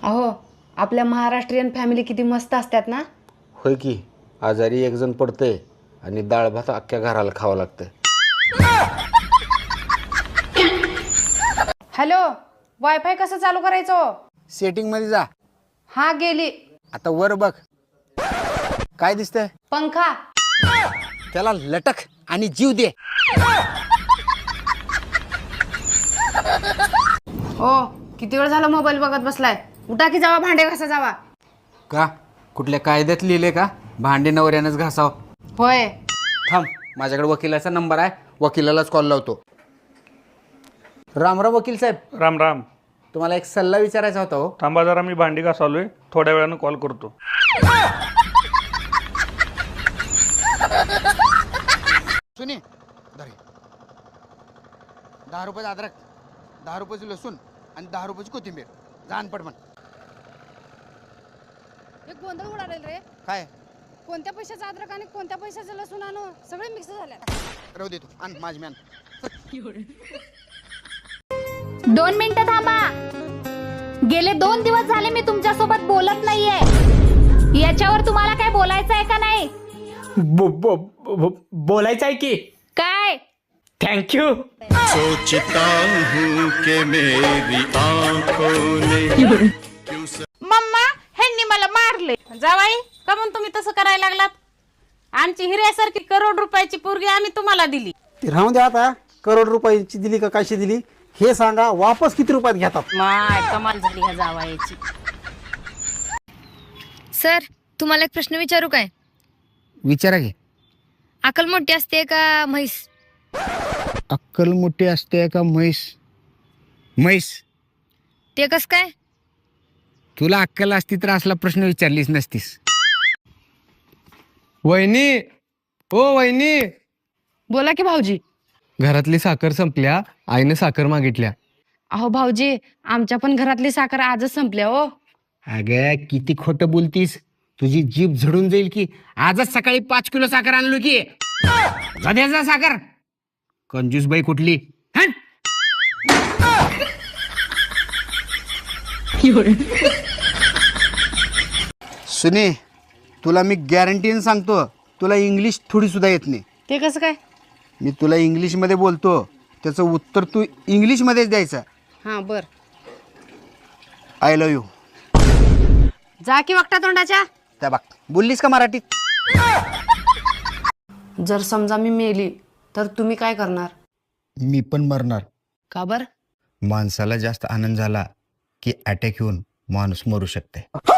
अहो, आपल्या महाराष्ट्रीयन फॅमिली किती मस्त असतात ना. होय की, आजारी एक जण पडतंय आणि डाळ भात अख्ख्या घराला खावं लागतं. हॅलो, वायफाय कसं चालू करायचं? सेटिंग मध्ये जा. हा, गेली. आता वर बघ, काय दिसतंय? पंखा. त्याला लटक आणि जीव दे. ओ, किती वेळ झाला मोबाईल बघत बसलाय? उठा की जावा, भांडे घासा जावा. का कुठल्या कायद्यात लिहिले का भांडे नवऱ्यानंच घासाव? होय. थांब, माझ्याकडे वकिलाचा नंबर आहे, वकिलालाच कॉल लावतो. रामराम वकील साहेब, राम राम. तुम्हाला एक सल्ला विचारायचा होता. हो, थांबा जरा, मी भांडी घासालोय, थोड्या वेळानं कॉल करतो. सुनी धरे 10 रुपये अद्रक, 10 रुपयाची लसूण आणि 10 रुपयाची कोथिंबीर. जाण पडमन. एक गोंधळ उडालेल रे. काय कोणत्या पैशाचा अद्रक आणि कोणत्या पैशाचं लसूण आणू? सगळे मिक्स झाले. राहू दे, तू आण माझी मॅन. 2 मिनिटं थांबा. गेले 2 दिवस झाले मी तुमच्या सोबत बोलत नाहीये. याच्यावर तुम्हाला काय बोलायचं आहे का नाही? बोलायचं आहे की. काय? थँक्यू. सोचता हूँ कि मेरी आंखों ने मम्मा ह्यांनी मला मारले. जावाई, का म्हणून तुम्ही तसं करायला लागलात? आमची हिऱ्यासारखी करोड रुपयाची पोरगी आम्ही तुम्हाला दिली. राहून द्या. आता करोड रुपयाची दिली का कशी दिली हे सांगा. वापस किती रुपयात घेतात? माय कमाल झाली ह्या जावाईची. सर, तुम्हाला एक प्रश्न विचारू काय? विचारा घे. अक्कल मोठी असते का म्हैस? अक्कल मोठी असते का म्हैस? म्हैस. ते कस काय? तुला अक्कल असती तर असला प्रश्न विचारलीच नसतीस. वहिनी, ओ वहिनी, बोला की भाऊजी. घरातली साखर संपल्या, आईने साखर मागितल्या. अहो भाऊजी, आमच्या पण घरातली साखर आजच संपल्या. हो, अगं किती खोटं बोलतीस, तुझी जीभ झडून जाईल की. आजच सकाळी 5 किलो साखर आणलो की. जा साखर, कंजूस बाई कुठली. हं? सुने, तुला मी गॅरंटीने सांगतो, तुला इंग्लिश थोडी सुद्धा येत नाही. ते कसं काय? मी तुला इंग्लिशमध्ये बोलतो, त्याचं उत्तर तू इंग्लिशमध्येच द्यायचं. हा, बर. I love you. जा की वक्ता तोंडाच्या. त्या बघ, बोललीस का मराठीत? जर समजा मी मेली तर तुम्ही काय करणार? मी पण मरणार. का बर? माणसाला जास्त आनंद झाला की अटॅक येऊन माणूस मरू शकते.